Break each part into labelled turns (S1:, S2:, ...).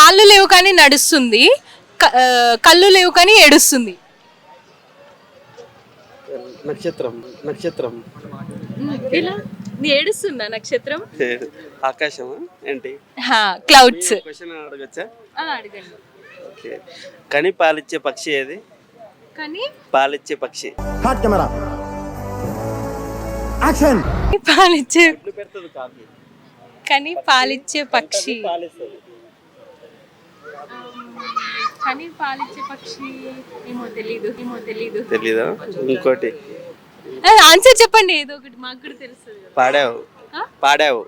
S1: కాళ్ళు లేవు కానీ నడుస్తుంది, కళ్ళు లేవు కానీ ఏడుస్తుంది.
S2: నక్షత్రం. నక్షత్రం
S1: ఇలా ఏడుస్తుందా నక్షత్రం?
S2: ఆకాశమా ఏంటి?
S1: క్లౌడ్స్.
S2: క్వశ్చన్ అడగచ్చా?
S1: అడగండి.
S2: ఓకే. కని పాలిచ్చే పక్షి ఏది?
S1: కానీ
S2: పాలిచ్చే పక్షి.
S3: Hot camera action.
S1: పాలిచ్చే
S2: పెడుతుంది కాకి.
S1: కానీ పాలిచ్చే పక్షి.
S2: పాలిస్తుంది.
S1: కానీ పాలిచ్చే పక్షి ఏమో తెలీదు.
S2: తెలీదా? ఇంకోటి
S1: ఆన్సర్ చెప్పండి, ఏదో ఒకటి మాకు కూడా తెలుస్తుంది.
S2: పాడావు. పాడావు.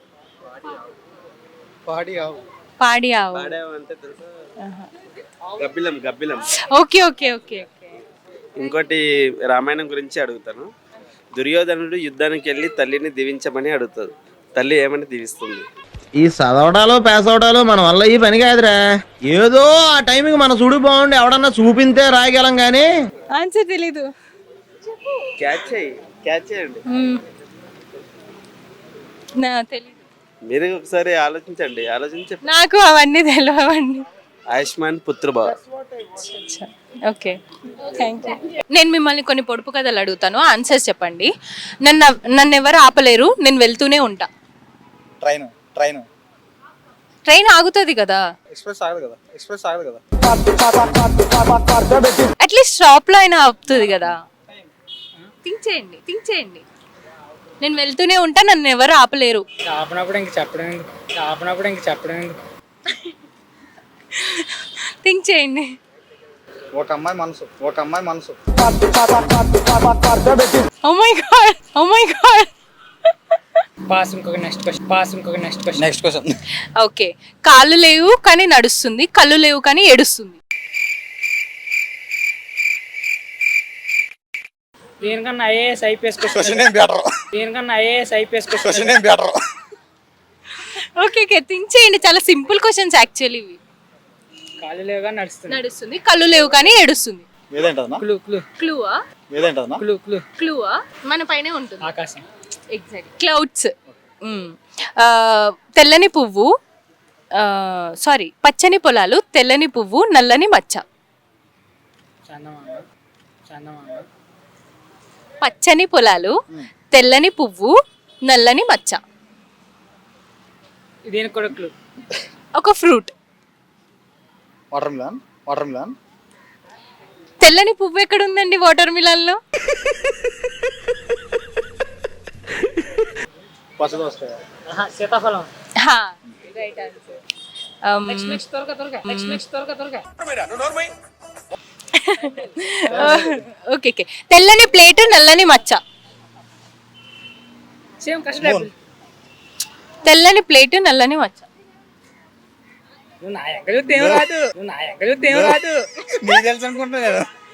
S1: పాడి ఆవు.
S2: పాడావు అంటే తెలుసా? గబ్బిలం. గబ్బిలం.
S1: Okay okay okay okay.
S2: ఇంకోటి రామాయణం గురించి అడుగుతాను. దుర్యోధనుడు యుద్ధానికి వెళ్ళి తల్లిని దీవించమని అడుగుతాడు. తల్లి ఏమని దీవిస్తుంది?
S3: ఈ చదవడాలు పాస్ అవడాలు మన వల్ల ఈ పని కాదురా. ఏదో ఆ టైంకి మన చూడు బాగుండి ఎవడన్నా చూపింతే రాయగలం గానీ
S1: ఆన్సర్ తెలీదు.
S2: క్యాచ్ చేయండి.
S1: నా తెలీదు.
S2: మీరు ఒకసారి ఆలోచించి
S1: నాకు అవన్నీ తెలియవండి.
S2: ఆయుష్మాన్ పుత్రభావ.
S1: Okay, thank you. నేను మిమ్మల్ని కొన్ని పొడుపు కథలు అడుగుతాను, ఆన్సర్స్ చెప్పండి. నన్ను ఎవరు ఆపలేరు, నేను వెళ్తూనే ఉంటా. ట్రైన్ ఆగుతుంది కదా, అట్లీస్ట్ స్టాప్ లో అయినా ఆపుతుంది కదా. థింక్ చేయండి. నేను వెళ్తూనే ఉంటా, నన్ను ఎవరు ఆపలేరు.
S4: ఆపినప్పుడు ఇంక చెప్పడం
S1: థింక్ చేయండి.
S5: ఒక అమ్మాయి మనసు
S1: ఓ మై గాడ్.
S4: పాస్ ఇంకొక నెక్స్ట్ క్వశ్చన్.
S1: ఓకే. కాళ్ళు లేవు కానీ నడుస్తుంది, కళ్ళు లేవు కానీ ఏడుస్తుంది.
S4: దేనికన్నా IAS IPS question.
S1: Okay, think చేయండి. చాలా సింపుల్ క్వశ్చన్స్ యాక్చువల్లీ ఇవి.
S4: కాళ్ళు లేవుగా
S1: నడుస్తుంది, కళ్ళు లేవు కానీ ఏడుస్తుంది. క్లూవా మన పైనే ఉంటుంది.
S4: ఆకాశం.
S1: ఎగ్జాక్ట్. క్లౌడ్స్. తెల్లని పువ్వు, సారీ, పచ్చని పొలాలు, తెల్లని పువ్వు, నల్లని మచ్చ. పచ్చని పొలాలు, తెల్లని పువ్వు, నల్లని మచ్చ.
S4: దీనికి కూడా క్లూ.
S1: ఒక ఫ్రూట్.
S5: Water melon.
S1: తెల్లని పువ్వు ఎక్కడ ఉందండి వాటర్ మిలన్ లో?
S4: సీతాఫలం.
S1: Right answer. ఓకే. తెల్లని ప్లేట్, నల్లని మచ్చ. తెల్లని ప్లేట్, నల్లని మచ్చ.
S4: నువ్వు నా ఎక్కడ రాదు.
S5: తెలుసు అనుకుంటున్నా.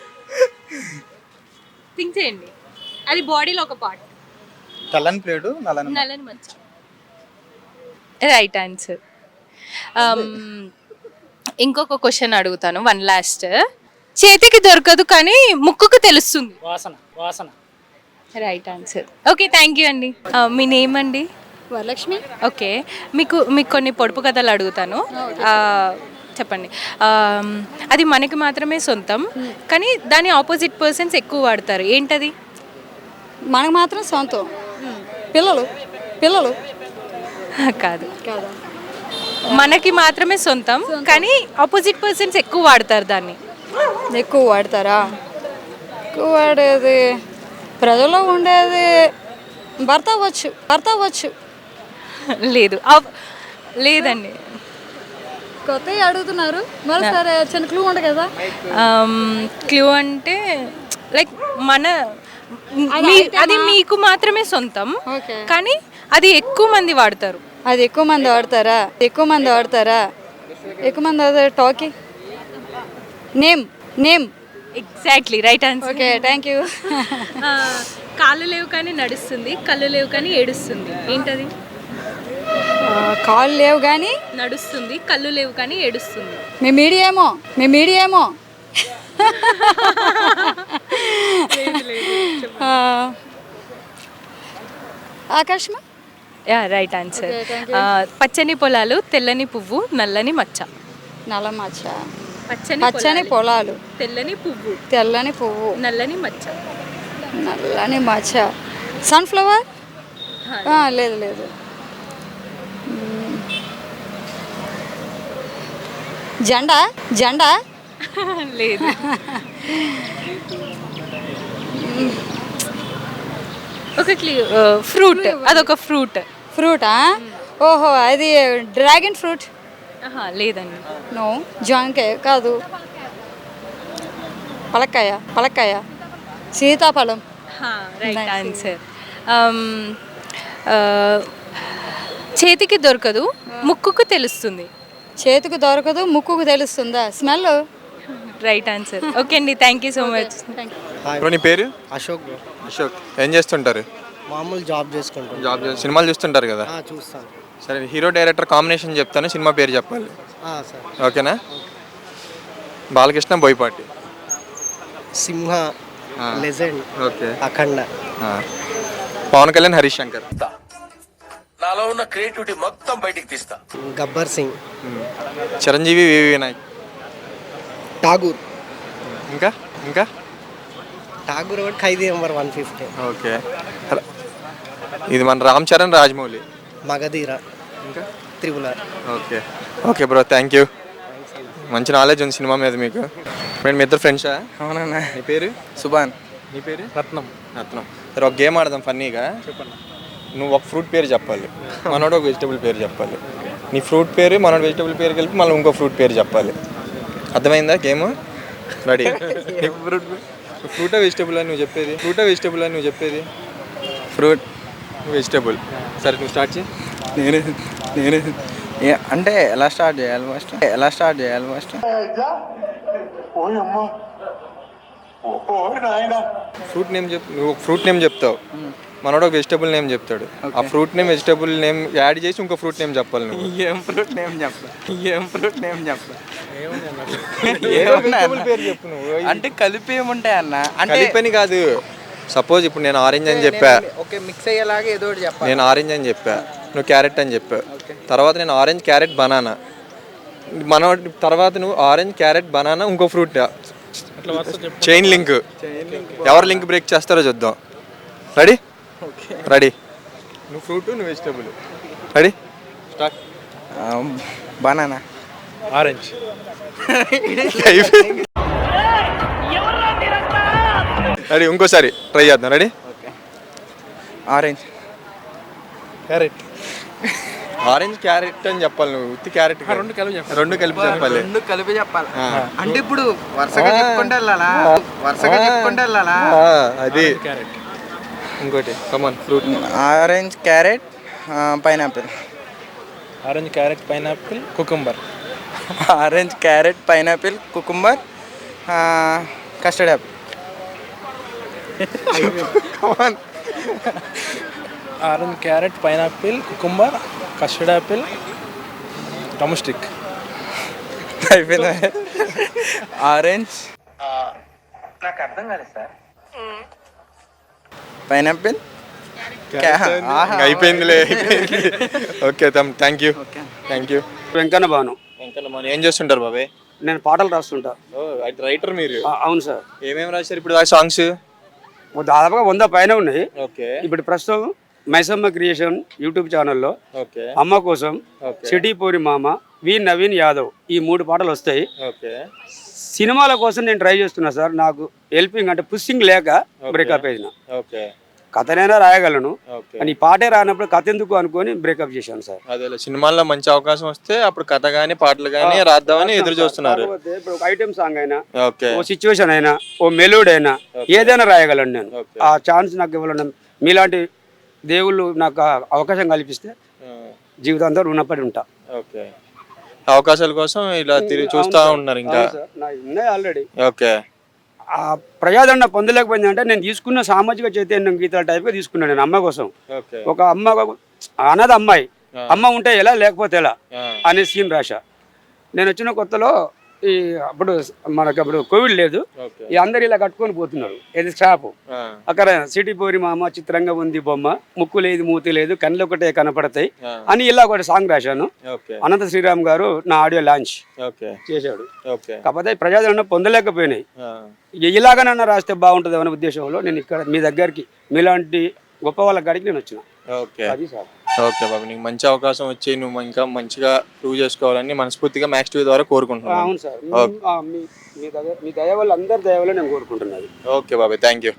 S1: థింక్ చేయండి, అది బాడీలో ఒక పార్ట్.
S5: తెల్లని ప్లేటు
S1: నల్లని మచ్చ. Right answer. ఇంకొక క్వశ్చన్ అడుగుతాను, వన్ లాస్ట్. చేతికి దొరకదు కానీ ముక్కుకు తెలుస్తుంది.
S4: వాసన.
S1: Right answer. Okay, thank you అండి. మీ నేమ్ అండి?
S6: వరలక్ష్మి.
S1: ఓకే, మీకు కొన్ని పొడుపు కథలు అడుగుతాను, చెప్పండి. అది మనకి మాత్రమే సొంతం కానీ దాని ఆపోజిట్ పర్సన్స్ ఎక్కువ వాడతారు, ఏంటది?
S6: మనకు మాత్రం సొంతం. పిల్లలు
S1: కాదు. మనకి మాత్రమే సొంతం కానీ ఆపోజిట్ పర్సన్స్ ఎక్కువ వాడతారు దాన్ని.
S6: ఎక్కువ వాడతారా? ఎక్కువ వాడేది ప్రజల్లో ఉండేది భర్త అవ్వచ్చు.
S1: లేదండి.
S6: కొత్తగా అడుగుతున్నారు మరి. సరే, చిన్న క్లూ ఉండే కదా.
S1: క్లూ అంటే లైక్ అది మీకు మాత్రమే సొంతం కానీ అది ఎక్కువ మంది వాడతారు.
S6: అది ఎక్కువ మంది వాడతారా? టాకీ. Name.
S1: Exactly, right answer.
S6: Okay, thank you.
S1: కాళ్ళు లేవు కానీ నడుస్తుంది, కళ్ళు లేవు కానీ ఏడుస్తుంది, ఏంటది?
S6: కాళ్ళు లేవు కానీ
S1: నడుస్తుంది, కళ్ళు లేవు కానీ ఏడుస్తుంది.
S6: మీ మీడియేమో.
S1: ఆకాశమా? Right answer. పచ్చని పొలాలు, తెల్లని పువ్వు, నల్లని మచ్చ.
S6: నల్ల మచ్చ,
S1: పచ్చని
S6: పచ్చని పొలాలు,
S1: తెల్లని పువ్వు,
S6: తెల్లని పువ్వు,
S1: నల్లని మచ్చ.
S6: నల్లని మచ్చ, సన్ఫ్లవర్. లేదు లేదు. జెండా, జెండా.
S1: లేదు. ఒక ఫ్రూట్, అదొక ఫ్రూట్.
S6: ఫ్రూటా? ఓహో, అది డ్రాగన్ ఫ్రూట్.
S1: లేదండి.
S6: నో. జాంకాయ కాదు. పలక్కాయ, పలక్కాయ, సీతాఫలం.
S1: Right answer. చేతికి దొరకదు, ముక్కుకు తెలుస్తుంది.
S6: చేతికి దొరకదు, ముక్కుకు తెలుస్తుందా? స్మెల్.
S1: Right answer. ఓకే అండి, thank you so much.
S7: Bro నీ పేరు?
S8: అశోక్ బ్రో.
S7: అశోక్. ఏం చేస్తుంటారు?
S8: మామూలు జాబ్ చేసుకుంటాను.
S7: జాబ్ సినిమాలు చూస్తుంటారు కదా?
S8: చూస్తాను.
S7: సరే, హీరో డైరెక్టర్ కాంబినేషన్ చెప్తాను, సినిమా పేరు చెప్పాలి.
S8: సార్.
S7: ఓకేనా? బాలకృష్ణ, బోయపాటి.
S8: Simha, Legend,
S7: okay.
S8: అఖండ.
S7: పవన్ కళ్యాణ్, హరీష్ శంకర్.
S9: నాలో ఉన్న క్రియేటివిటీ మొత్తం బయటికి తీస్తా.
S8: గబ్బర్ సింగ్.
S7: చిరంజీవి, వివి వినాయక్.
S8: ఠాగూర్.
S7: ఇంకా ఇంకా
S8: ఠాగూర్ ఒకటి, ఖైదీ నెంబర్ 150.
S7: ఓకే. ఇది మన రామ్ చరణ్, రాజమౌళి.
S8: మగధీర.
S7: ఇంకా
S8: triple R.
S7: Okay. Okay bro, thank you. మంచి నాలెడ్జ్ ఉంది సినిమా మీద మీకు. ఫ్రెండ్, మీ ఇద్దరు ఫ్రెండ్సా?
S5: అవునన్నా.
S7: నీ పేరు?
S5: సుభాన్.
S7: నీ పేరు?
S5: రత్నం.
S7: రత్నం. సరే, ఒక గేమ్ ఆడదాం ఫన్నీగా.
S5: చెప్పండి.
S7: నువ్వు ఒక ఫ్రూట్ పేరు చెప్పాలి, మనోడు ఒక వెజిటబుల్ పేరు చెప్పాలి. నీ ఫ్రూట్ పేరు మనోడు వెజిటబుల్ పేరు కలిపి మళ్ళీ ఇంకో ఫ్రూట్ పేరు చెప్పాలి. అర్థమైందా గేమ్? రెడీ? ఫ్రూటా వెజిటబుల్ అని నువ్వు చెప్పేది? ఫ్రూటా వెజిటబుల్ అని నువ్వు చెప్పేది?
S5: ఫ్రూట్.
S7: వెజిటబుల్. సరే, నువ్వు స్టార్ట్ చేయి.
S5: నేనే అంటే ఎలా స్టార్ట్ చేయాలి ఫస్ట్?
S7: ఫ్రూట్ నేమ్ చెప్పు. నువ్వు ఫ్రూట్ నేమ్ చెప్తావు, మనోడు ఒక వెజిటబుల్ నేమ్ చెప్తాడు. ఆ fruit name vegetable name add చేసి ఇంకో ఫ్రూట్ నేమ్ చెప్పాలి నువ్వు.
S5: ఏం ఫ్రూట్ నేమ్ చెప్ప
S7: ఏదో vegetable పేరు చెప్పు నువ్వు.
S5: అంటే కలిపి ఏముంటాయి అన్న? అంటే
S7: కలిపని కాదు. సపోజ్ ఇప్పుడు నేను ఆరెంజ్ అని చెప్పా,
S5: ఓకే, మిక్స్ అయ్యేలాగా ఏదో ఒకటి చెప్పాలి.
S7: నేను ఆరెంజ్ అని చెప్పా, నువ్వు క్యారెట్ అని చెప్పా. తర్వాత నేను ఆరెంజ్, క్యారెట్, బనానా. మనోడి తర్వాత నువ్వు ఆరెంజ్, క్యారెట్, బనానా, ఇంకో ఫ్రూట్. Chain link. ఎవరు లింక్ బ్రేక్ చేస్తారో చూద్దాం. రెడీ? రెడీ. నువ్వు ఫ్రూట్, నువ్వు vegetable. Ready? Start.
S5: Banana.
S8: Orange.
S7: Ready? ఇంకోసారి ట్రై చేద్దాం. Ready?
S5: Orange.
S8: Carrot.
S7: Orange, carrot అని చెప్పాలి నువ్వు. ఉత్తి క్యారెట్ రెండు కలిపి చెప్పాలి.
S5: అంటే ఇప్పుడు వరుసగా చెప్పుకుంటే వెళ్ళాలా?
S7: అది ఇంకోటి. Come on, fruit.
S5: Orange, carrot, pineapple.
S8: Orange, carrot, pineapple, cucumber.
S5: Orange, carrot, pineapple, cucumber, custard apple.
S8: Orange, carrot, pineapple, cucumber, custard apple, టమస్టిక్.
S5: అయిపోయిందా? ఆరెంజ్,
S9: నాకు అర్థం కాలేదు సార్.
S5: పైనాపిల్,
S7: అయిపోయిందిలే. Okay, thank you.
S2: Venkanna Bhanu.
S7: ఏం చేస్తుంటారు బాబాయ్?
S2: నేను పాటలు రాస్తుంటా.
S7: రైటర్ మీరు?
S2: అవును సార్.
S7: ఏమేమి రాశారు ఇప్పుడు సాంగ్స్?
S2: దాదాపుగా 100 పైన ఉన్నాయి.
S7: ఓకే.
S2: ఇప్పుడు ప్రస్తుతం మైసమ్మ క్రియేషన్ యూట్యూబ్ ఛానల్లో
S7: ఓకే.
S2: అమ్మ కోసం, సిటీ పోరి మామ, వి నవీన్ యాదవ్, ఈ 3 పాటలు వస్తాయి.
S7: ఓకే.
S2: సినిమాల కోసం నేను ట్రై చేస్తున్నా సార్. నాకు హెల్పింగ్ అంటే పుషింగ్ లేక బ్రేకప్ అయిన.
S7: ఓకే.
S2: కథనైనా రాయగలను
S7: ఓకే.
S2: అని పాటే రానప్పుడు కథ ఎందుకు అనుకొని బ్రేకప్ చేశాను సార్.
S7: అదే సినిమాల్లో మంచి అవకాశం వస్తే అప్పుడు కథ గానీ పాటలు గానీ రాద్దామని ఎదురు చూస్తున్నారు.
S2: ఇప్పుడు ఒక ఐటెం సాంగ్ అయినా,
S7: ఓకే,
S2: ఓ సిచ్యువేషన్ అయినా, ఓ మెలోడీ అయినా ఏదైనా రాయగలను నేను. ఆ ఛాన్స్ నాకు ఇవ్వాలని మీలాంటి దేవుళ్ళు నాకు అవకాశం కల్పిస్తే జీవితాంతం రుణపడి ఉంటా.
S7: ఓకే. అవకాశాల కోసం ఇలా తిరిగి చూస్తూ ఉన్నారు ఇంకా?
S2: ఉన్నాయి ఆల్రెడీ.
S7: ఓకే.
S2: ఆ ప్రజాదరణ పొందలేకపోయింది అంటే నేను తీసుకున్న సామాజిక చైతన్యం గీతాల టైప్గా తీసుకున్నాను నేను అమ్మ కోసం. ఒక అమ్మ, అనాథ అమ్మాయి, అమ్మ ఉంటే ఎలా లేకపోతే ఎలా అనే సీన్ రాశా. నేను వచ్చిన కొత్తలో ఈ అప్పుడు మనకు అప్పుడు కోవిడ్ లేదు,
S7: ఓకే.
S2: ఈ అందరు ఇలా కట్టుకొని పోతున్నారు. ఇది స్టాప్ అక్కడ సిటీ పోరి మామ చిత్రంగా ఉంది బొమ్మ, ముక్కు లేదు మూతి లేదు కళ్ళు ఒకటే కనపడతాయి అని ఇలా ఒక సాంగ్ రాశాను.
S7: ఓకే.
S2: అనంత శ్రీరామ్ గారు నా ఆడియో లాంచ్
S7: ఓకే.
S2: చేశాడు.
S7: ఓకే.
S2: కాకపోతే ప్రజాదరణ పొందలేకపోయినాయి. ఇలాగనన్నా రాస్తే బాగుంటుంది అనే ఉద్దేశంలో నేను ఇక్కడ మీ దగ్గరికి మీలాంటి గొప్ప వాళ్ళ కాడికి నేను వచ్చిన.
S7: ఓకే.
S2: అది సార్.
S7: ఓకే బాబు, నీకు మంచి అవకాశం వచ్చి నువ్వు ఇంకా మంచిగా ప్రూవ్ చేసుకోవాలని మనస్ఫూర్తిగా మ్యాక్స్ టీవీ ద్వారా కోరుకుంటున్నాను.
S2: అవును సార్, మీ దయ వల్ల అందరి దయ వల్ల నేను కోరుకుంటున్నది.
S7: ఓకే బాబాయ్, థ్యాంక్ యూ.